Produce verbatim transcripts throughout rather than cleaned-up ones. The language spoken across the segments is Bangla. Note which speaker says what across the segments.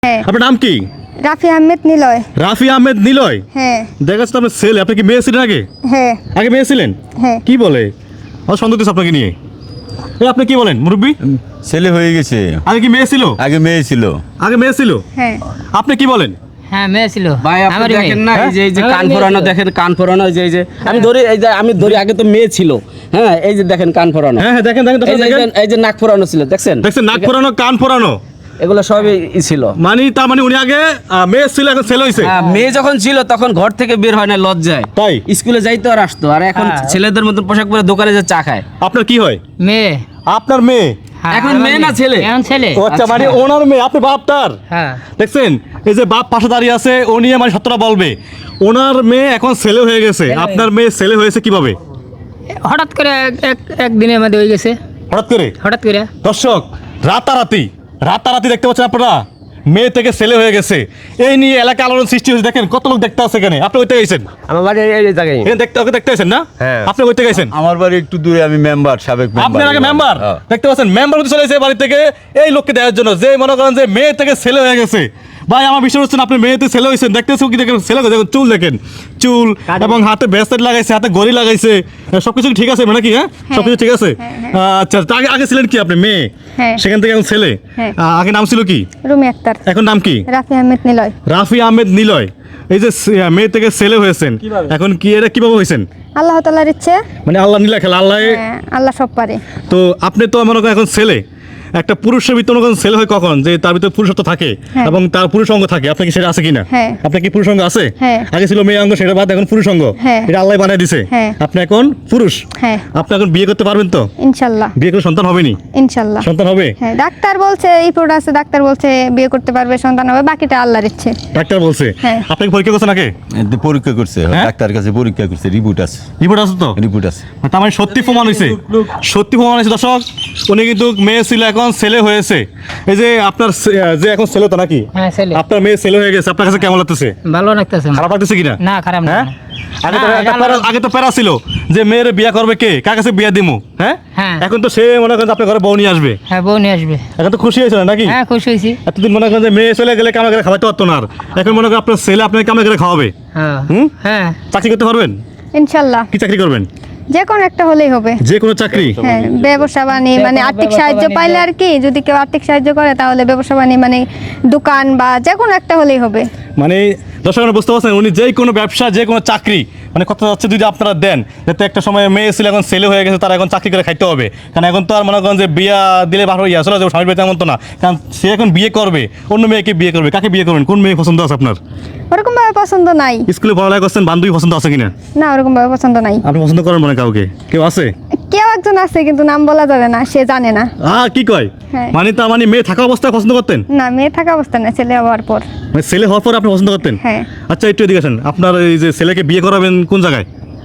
Speaker 1: হ্যাঁ।
Speaker 2: আপনার নাম কি?
Speaker 1: রাফি আহমেদ নিলয়।
Speaker 2: রাফি আহমেদ নিলয়।
Speaker 1: হ্যাঁ।
Speaker 2: দেখা যাচ্ছে আপনার ছেলে। আপনি কি মেয়ে ছিলেন আগে?
Speaker 1: হ্যাঁ।
Speaker 2: আগে মেয়ে ছিলেন?
Speaker 1: হ্যাঁ।
Speaker 2: কি বলে? আমার সন্দেহ হচ্ছে আপনাকে নিয়ে। এই আপনি কি বলেন মুরব্বী?
Speaker 3: ছেলে হয়ে গেছে।
Speaker 2: আগে কি মেয়ে ছিল?
Speaker 3: আগে মেয়ে ছিল।
Speaker 2: আগে মেয়ে ছিল?
Speaker 1: হ্যাঁ।
Speaker 2: আপনি কি বলেন?
Speaker 4: হ্যাঁ মেয়ে ছিল
Speaker 5: ভাই আপনি
Speaker 4: আমারই
Speaker 5: দেখেন
Speaker 4: মেয়ে।
Speaker 5: না এই যে এই যে
Speaker 4: আমারই
Speaker 5: কান
Speaker 4: মেয়ে
Speaker 5: ফোরানো
Speaker 4: ছিল।
Speaker 5: দেখেন কান ফোরানো এই যে এই যে আমি ধরি এই যে আমি ধরি আগে তো মেয়ে ছিল হ্যাঁ এই যে দেখেন কান ফোরানো
Speaker 2: হ্যাঁ হ্যাঁ দেখেন দেখেন
Speaker 5: এই যে-
Speaker 2: দেখেন
Speaker 5: এই যে নাক ফোরানো ছিল দেখছেন
Speaker 2: দেখছেন নাক ফোরানো কান ফোরানো
Speaker 5: এগুলো সবই ই ছিল
Speaker 2: মানে তার মানে উনি আগে আহ, মেয়ে ছিল এখন ছেলে হয়েছে।
Speaker 5: হ্যাঁ, মেয়ে যখন ছিল তখন ঘর থেকে বের হয় না লজ্জায়
Speaker 2: তাই?
Speaker 5: স্কুলে যাইতো আর আসতো আর এখন
Speaker 4: হ্যাঁ।
Speaker 5: ছেলেদের মতন পোশাক পরে দোকানে যে চা খায়
Speaker 2: আপনার কি হয়?
Speaker 4: মেয়ে
Speaker 2: আপনার মেয়ে?
Speaker 4: হ্যাঁ,
Speaker 5: এখন
Speaker 4: আমার
Speaker 5: মেয়ে না ছেলে?
Speaker 4: এখন ছেলে
Speaker 2: ও আচ্ছা মানে ওনার মেয়ে আপনি বাপ তার?
Speaker 4: হ্যাঁ
Speaker 2: দেখছেন এই যে বাপ পাশে দাঁড়িয়ে আছে ও নিয়ে মানে সত্যটা বলবে ওনার মেয়ে এখন ছেলে হয়ে গেছে। আপনার মেয়ে ছেলে হয়েছে কিভাবে?
Speaker 4: হঠাৎ করে এক- এক একদিনের মধ্যে হয়ে গেছে
Speaker 2: হঠাৎ করে?
Speaker 4: হঠাৎ করে
Speaker 2: দর্শক রাতারাতি রাতারাতি দেখতে পাচ্ছেন আপনারা মেয়ে থেকে ছেলে হয়ে গেছে। এই নিয়ে এলাকা আলোড়ন সৃষ্টি হয়েছে। দেখেন কত লোক দেখতে আছে এখানে। আপনি ওইতে গেছেন?
Speaker 6: আমার বাড়ি এই জায়গায়।
Speaker 2: এখানে দেখতে ওকে দেখতে আছেন না?
Speaker 6: হ্যাঁ।
Speaker 2: আপনি ওইতে গেছেন?
Speaker 3: আমার বাড়ি একটু দূরে, আমি মেম্বার, সাবেক মেম্বার।
Speaker 2: আপনার আগে মেম্বার
Speaker 3: হ্যাঁ।
Speaker 2: দেখতে পাচ্ছেন মেম্বার হতে চলে এসেছে বাড়ি থেকে এই লোককে দেওয়ার জন্য যে মনে করেন যে মেয়ে থেকে ছেলে হয়ে গেছে। ভাই আমার বিশ্বাস হচ্ছে না আপনি মেয়েতে ছেলে হয়েছেন। দেখতেছেন কি দেখেন ছেলে দেখেন চুল দেখেন চুল এবং হাতে ব্রেসলেট লাগাইছে হাতে ঘড়ি লাগাইছে সবকিছু ঠিক আছে নাকি? হ্যাঁ সবকিছু ঠিক আছে। আচ্ছা তা আগে আগে ছিলেন কি আপনি মেয়ে?
Speaker 1: হ্যাঁ।
Speaker 2: সেখান থেকে এখন ছেলে।
Speaker 1: হ্যাঁ।
Speaker 2: আহ, আগে নাম ছিল কি?
Speaker 1: রুমি আক্তার।
Speaker 2: এখন নাম কি?
Speaker 1: রাফি আহমেদ নিলয়।
Speaker 2: রাফি আহমেদ নিলয়। এই যে সে- মেয়ে থেকে ছেলে হয়েছেন এখন কি এটা কিভাবে হয়েছেন?
Speaker 1: আল্লাহ তাআলার ইচ্ছে।
Speaker 2: মানে আল্লাহ নীলা খেলা আল্লাহ।
Speaker 1: হ্যাঁ, আল্লাহ সব পারে।
Speaker 2: তো আপনি তো মনে করেন এখন ছেলে একটা পুরুষের ভিতরে মনে করেন ছেলে হয় কখন যে তার ভিতরে পুরুষত্ব থাকে
Speaker 1: হ্যাঁ।
Speaker 2: এবং তার পুরুষ অঙ্গ থাকে। আপনার কি সেটা আছে কিনা?
Speaker 1: হ্যাঁ।
Speaker 2: আপনার কি পুরুষ অঙ্গ আছে?
Speaker 1: হ্যাঁ।
Speaker 2: আগে ছিল মেয়ে অঙ্গ সেটা বাদ এখন পুরুষ অঙ্গ।
Speaker 1: হ্যাঁ।
Speaker 2: এটা আল্লাহ বানিয়ে দিছে।
Speaker 1: হ্যাঁ।
Speaker 2: আপনি এখন পুরুষ।
Speaker 1: হ্যাঁ।
Speaker 2: আপনি এখন বিয়ে করতে পারবেন তো?
Speaker 1: ইনশাল্লাহ।
Speaker 2: বিয়ে করে সন্তান হবে নি?
Speaker 1: ইনশাল্লাহ।
Speaker 2: সন্তান হবে?
Speaker 1: হ্যাঁ, ডাক্তার বলছে রিপোর্ট আছে, ডাক্তার বলছে বিয়ে করতে পারবে, সন্তান হবে, বাকিটা আল্লাহর ইচ্ছে।
Speaker 2: ডাক্তার বলছে।
Speaker 1: হ্যাঁ।
Speaker 2: আপনি কি পরীক্ষা করছেন আগে?
Speaker 3: এতে পরীক্ষা করছে,
Speaker 2: হ্যাঁ?
Speaker 3: ডাক্তার কাছে পরীক্ষা করছে, রিপোর্ট আছে।
Speaker 2: রিপোর্ট আছে তো?
Speaker 3: রিপোর্ট আছে।
Speaker 2: তার মানে সত্যি প্রমাণ হয়েছে। সত্যি প্রমাণ হয়েছে দর্শক। উনি কিন্তু মেয়ে ছিল এখন ছেলে হয়েছে। এই যে আপনার ছে- যে এখন ছেলে তো নাকি?
Speaker 4: হ্যাঁ ছেলে
Speaker 2: আপনার মেয়ে ছেলে হয়ে গেছে আপনার কাছে কেমন লাগতেছে?
Speaker 4: ভালো লাগতেছে
Speaker 2: খারাপ লাগতেছে কিনা?
Speaker 4: না খারাপ না
Speaker 2: হ্যাঁ? আগে তো
Speaker 4: হ্যাঁ,
Speaker 2: একটা
Speaker 4: এটা
Speaker 2: প্যারা-
Speaker 4: আল্লাহর-
Speaker 2: আগে তো প্যারা ছিল যে মেয়ের বিয়ে করবে কে, কার কাছে বিয়ে দিমু। হ্যাঁ
Speaker 4: হ্যাঁ।
Speaker 2: এখন তো সে মনে করেন যে আপনার ঘরে বউ নিয়ে আসবে।
Speaker 4: হ্যাঁ বউ নিয়ে আসবে
Speaker 2: এখন তো খুশি হয়েছিল নাকি?
Speaker 4: হ্যাঁ খুশি হয়েছি
Speaker 2: এতদিন মনে করেন যে মেয়ে চলে গেলে কামে করে খাওয়াতে পারতো না আর। এখন মনে করেন আপনার ছেলে আপনাকে কামে করে খাওয়াবে।
Speaker 4: হ্যাঁ
Speaker 2: হুম?
Speaker 4: হ্যাঁ
Speaker 2: চাকরি করতে পারবেন?
Speaker 1: ইনশাল্লাহ।
Speaker 2: কি চাকরি করবেন?
Speaker 1: যে কোনো একটা হলেই হবে।
Speaker 2: যে কোনো চাকরি?
Speaker 1: হ্যাঁ, ব্যবসা বাণী মানে
Speaker 4: কোনো
Speaker 1: আর্থিক
Speaker 4: ব্যবসা
Speaker 1: সাহায্য
Speaker 4: বাণিজ্য।
Speaker 1: পাইলে আর কি, যদি কেউ আর্থিক সাহায্য করে তাহলে ব্যবসা বাণী মানে দোকান বা যে কোনো একটা হলেই হবে।
Speaker 2: মানে দর্শক বুঝতে পারছেন উনি যে কোনো ব্যবসা যে কোনো চাকরি মানে কথা হচ্ছে যদি আপনারা দেন যাতে একটা সময় মেয়ে ছিল এখন ছেলে হয়ে গেছে তারা এখন চাকরি করে খাইতে হবে। কারণ এখন তো আর মনে করেন যে বিয়া দিলে বারো ইয়ে আসলে স্বামীর বাড়িতে এমন তো না। কারণ সে এখন বিয়ে করবে অন্য মেয়েকে বিয়ে করবে। কাকে বিয়ে করবেন? কোন মেয়ে পছন্দ আছে আপনার?
Speaker 1: ওরকম ভাবে পছন্দ নাই।
Speaker 2: স্কুলে পড়ালেখা করছেন বান্ধবী পছন্দ আছে কিনা?
Speaker 1: না, ওরকম ভাবে পছন্দ নাই।
Speaker 2: আপনি পছন্দ করেন মানে কাউকে? কেউ আছে?
Speaker 1: কেউ একজন আছে কিন্তু নাম বলা যাবে না, সে জানে না।
Speaker 2: আহ কি কয়?
Speaker 1: হ্যাঁ।
Speaker 2: মানে তার মানে মেয়ে থাকা অবস্থায় পছন্দ করতেন?
Speaker 1: না, মেয়ে থাকা অবস্থা না, ছেলে হওয়ার পর।
Speaker 2: মানে ছেলে হওয়ার পর আপনি পছন্দ করতেন?
Speaker 1: হ্যাঁ।
Speaker 2: আচ্ছা একটু এদিকে আসেন। আপনার এই যে ছেলেকে বিয়ে করাবেন কোন জায়গায়?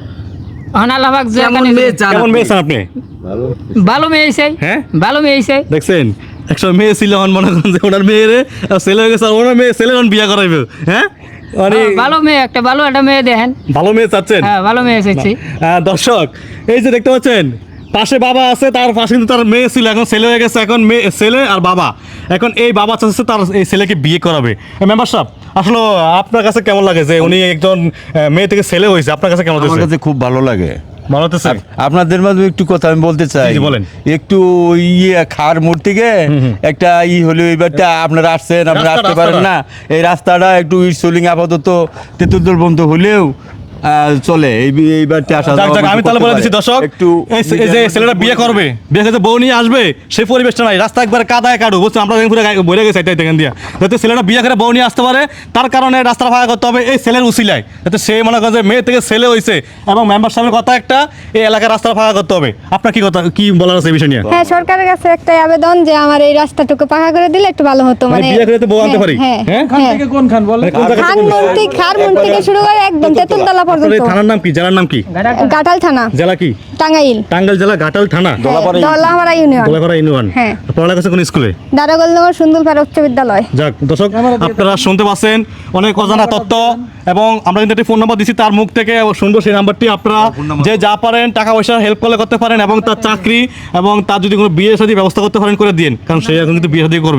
Speaker 4: এখন আল্লাহ যে
Speaker 5: কেমন মেয়ে চান
Speaker 2: কেমন
Speaker 5: আপনি?
Speaker 2: মেয়ে চান আপনি?
Speaker 4: ভালো মেয়ে চাই
Speaker 2: হ্যাঁ?
Speaker 4: ভালো মেয়ে চাই
Speaker 2: দেখছেন একসময় মেয়ে ছিল এখন মনে করেন যে ওনার মেয়েরে আর ছেলে হয়ে গেছে আর ওনার মেয়ে ছেলে এখন বিয়ে করাইবে। হ্যাঁ মানে
Speaker 4: হ্যাঁ, ভালো মেয়ে একটা ভালো একটা মেয়ে দেখেন
Speaker 2: ভালো মেয়ে চাচ্ছেন?
Speaker 4: হ্যাঁ ভালো মেয়ে চাইছি
Speaker 2: আহ, দর্শক এই যে দেখতে পাচ্ছেন পাশে বাবা আছে তার পাশে কিন্তু তার মেয়ে ছিল এখন ছেলে হয়ে গেছে। এখন মেয়ে ছেলে আর বাবা এখন এই বাবা চাচ্ছে তার এই ছেলেকে বিয়ে করাবে। মেম্বার সাহেব আসলে আপনার কাছে কেমন লাগে যে উনি একজন আহ, মেয়ে থেকে ছেলে হয়েছে আপনার কাছে কেমন
Speaker 3: আমার
Speaker 2: লাগছে?
Speaker 3: কাছে খুব ভালো লাগে।
Speaker 2: ভালো লাগতেছে?
Speaker 3: আপ- আপনাদের মাধ্যমে একটু কথা আমি বলতে চাই।
Speaker 2: জি, জি, বলেন।
Speaker 3: একটু ইয়ে খার মোড় থেকে একটা ই হলো এইবারটা আপনারা আসছেন, আপনারা
Speaker 2: রাস্তা-
Speaker 3: আসতে পারেন
Speaker 2: রাস্তাটা।
Speaker 3: না। এই রাস্তাটা একটু সোলিং আপাতত তেতুল বন্ধ হলেও আহ, চলে এই এইবারটা আসা
Speaker 2: যাক,
Speaker 3: যাওয়া
Speaker 2: যাক, আমি
Speaker 3: করতে
Speaker 2: তাহলে বলে
Speaker 3: পারে।
Speaker 2: দিচ্ছি দর্শক
Speaker 3: একটু
Speaker 2: এই সে- এই যে ছেলেটা বিয়ে করবে বিয়ে করতে বউ নিয়ে আসবে সেই পরিবেশটা নাই। রাস্তা একবার কাদায় কাটু বুঝছেন আমরা পুরো বইরে গেছে এটাই দেখেন দিয়া যাতে ছেলেটা বিয়ে করে বউ নিয়ে আসতে পারে তার কারণে রাস্তা ফাঁকা করতে হবে এই ছেলের উসিলায় যাতে সে মনে করে যে মেয়ে থেকে ছেলে হয়েছে এবং মেম্বার সাহেবের কথা একটা এই এলাকার রাস্তা ফাঁকা করতে হবে। আপনার কি কথা কি বলার আছে এই বিষয় নিয়ে?
Speaker 1: হ্যাঁ, সরকারের কাছে একটাই আবেদন যে আমার এই রাস্তাটুকু পাকা করে দিলে একটু ভালো হতো।
Speaker 2: মানে
Speaker 1: মানে
Speaker 2: বিয়ে করে তো বউ আনতে
Speaker 1: হ্যাঁ,
Speaker 2: পারি?
Speaker 1: হ্যাঁ
Speaker 2: হ্যাঁ?
Speaker 1: হ্যাঁ।
Speaker 2: মানে কোন জায়গা থেকে
Speaker 1: খান
Speaker 2: কোন জায়গা?
Speaker 1: মন্ত্রী খার মন্ত্রী থেকে শুরু করে একদম তেতুলতলা
Speaker 2: আপনার
Speaker 1: পর্যন্ত।
Speaker 2: এই থানার নাম কি জেলার নাম কি?
Speaker 1: গাটাল থানা,
Speaker 2: জেলা কি?
Speaker 1: টাঙ্গাইল,
Speaker 2: টাঙ্গাইল জেলা ঘাটাল থানা
Speaker 1: দলাহারা ইউনিয়ন,
Speaker 2: গোলাপাড়া ইউনিয়ন।
Speaker 1: হ্যাঁ।
Speaker 2: পড়ালেখা করছে কোন স্কুলে?
Speaker 1: দারোগোলনগর সুন্দরপাড়া উচ্চ বিদ্যালয়।
Speaker 2: যাক দর্শক আপনারা শুনতে পাচ্ছেন অনেক অজানা তথ্য এবং আমরা কিন্তু একটি ফোন নাম্বার দিচ্ছি তার মুখ থেকে শুনবো সেই নাম্বারটি আপনারা যে যা পারেন টাকা পয়সা হেল্প করলে করতে পারেন এবং তার চাকরি এবং তার যদি কোনো বিয়ে শাদী ব্যবস্থা করতে পারেন করে দিন কারণ সে এখন কিন্তু বিয়ে শাদী করবে।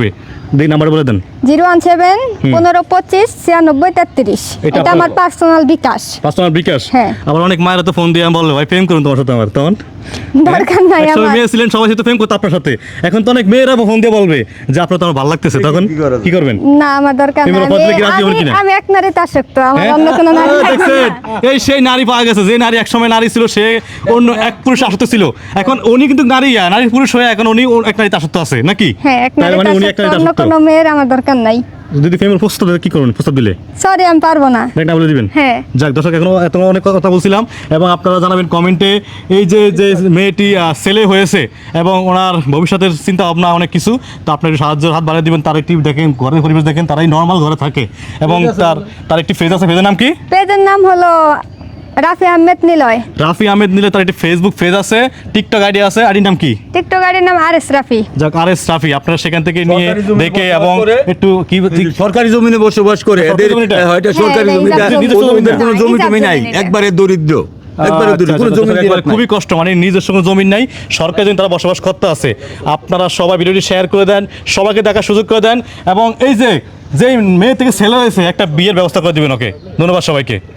Speaker 2: দিই নাম্বার বলে দেন।
Speaker 1: জিরো ওয়ান সেভেন পনেরো পঁচিশ ছিয়ানব্বই তেত্রিশ।
Speaker 2: এটা
Speaker 1: এটা
Speaker 2: আপনার-
Speaker 1: আমার পার্সোনাল বিকাশ।
Speaker 2: পার্সোনাল বিকাশ।
Speaker 1: হ্যাঁ।
Speaker 2: আবার অনেক মায়েরা তো ফোন দিয়ে বললো ভাই প্রেম করুন তোমার সাথে আমার, তখন
Speaker 1: দরকার নাই
Speaker 2: একসময়
Speaker 1: আমার।
Speaker 2: মেয়ে ছিলেন সবাই সাথে প্রেম করতো আপনার সাথে, এখন তো অনেক মেয়েরা ফোন দিয়ে বলবে যে আপনার তো আমার ভালো লাগতেছে, তখন
Speaker 3: কি করা যায়?
Speaker 2: কি করবেন?
Speaker 1: না আমার দরকার নাই।
Speaker 2: এগুলো বদলে কি রাজি হবেন
Speaker 1: আমি-
Speaker 2: কিনা?
Speaker 1: আমি এক নারীতে আসক্ত, আমার
Speaker 2: হ্যাঁ?
Speaker 1: অন্য কোনো নারী
Speaker 2: আহ,
Speaker 1: লাগবে
Speaker 2: দেখছেন?
Speaker 1: না।
Speaker 2: এই সেই নারী পাওয়া গেছে যে নারী একসময় নারী ছিল, সে অন্য এক পুরুষ আসক্ত ছিল, এখন উনি কিন্তু নারী আর নারী পুরুষ হয়ে এখন উনি ও- এক নারীতে আসক্ত আছে নাকি?
Speaker 1: হ্যাঁ এক
Speaker 2: তার
Speaker 1: নারীতে
Speaker 2: মানে উনি এক
Speaker 1: আসক্ত,
Speaker 2: নারীতে
Speaker 1: অন্য
Speaker 2: আসক্ত।
Speaker 1: কোনো মেয়ের আমার দরকার নাই।
Speaker 2: যদি প্রেমের প্রস্তাব দেয় কি করবেন? প্রস্তাব দিলে
Speaker 1: সরি আমি পারবো না।
Speaker 2: একটা বলে দিবেন।
Speaker 1: হ্যাঁ।
Speaker 2: যাক দর্শক, এখনো এত অনেক কথা বলছিলাম এবং আপনারা জানাবেন কমেন্টে এই যে যে মেয়েটি আহ, ছেলে হয়েছে এবং ওনার ভবিষ্যতের চিন্তা ভাবনা অনেক কিছু, তো আপনার একটু সাহায্য হাত বাড়িয়ে দিবেন। তার একটি দেখেন ঘরের পরিবেশ দেখেন, তারাই নর্মাল ঘরে থাকে এবং তার তার একটি ফেজ আছে, ফেজের নাম কি?
Speaker 1: পেজের নাম হলো রাফি আহমেদ নিলয়।
Speaker 2: রাফি আহমেদ নিলে তার একটি ফেসবুক পেজ আছে, টিকটক আইডি আছে, আইডির নাম কি?
Speaker 1: টিকটক আইডির নাম আর এস রাফি।
Speaker 2: যাক আর এস রাফি, আপনারা সেখান থেকে নিয়ে
Speaker 3: সরকারি জমিনে
Speaker 2: দেখে
Speaker 3: বসবাস
Speaker 2: এবং
Speaker 3: করে।
Speaker 2: একটু কি কি-
Speaker 3: সরকারি জমিনে বসবাস করে,
Speaker 2: সরকারি
Speaker 3: এদের
Speaker 2: জমিটা?
Speaker 3: হয়তো সরকারি
Speaker 1: হ্যাঁ,
Speaker 3: জমিটা,
Speaker 1: এটা
Speaker 2: নিজস্ব
Speaker 3: ওদের
Speaker 2: জমি
Speaker 3: কোনো
Speaker 1: না,
Speaker 3: জমি
Speaker 1: এটা
Speaker 3: টমি নাই,
Speaker 1: জমি না।
Speaker 3: একবারে দরিদ্র, একবারে
Speaker 2: আচ্ছা,
Speaker 3: দরিদ্র, কোনো
Speaker 2: আচ্ছা,
Speaker 3: জমি
Speaker 2: আচ্ছা,
Speaker 3: দিয়ে
Speaker 2: একবার খুবই কষ্ট, মানে নিজস্ব কোনো জমি নাই, সরকারি জমি তারা বসবাস করতে আছে। আপনারা সবাই ভিডিওটি শেয়ার করে দেন, সবাইকে দেখার সুযোগ করে দেন এবং এই যে যে মেয়ে থেকে ছেলে হয়েছে একটা বিয়ের ব্যবস্থা করে দিবেন ওকে। ধন্যবাদ সবাইকে।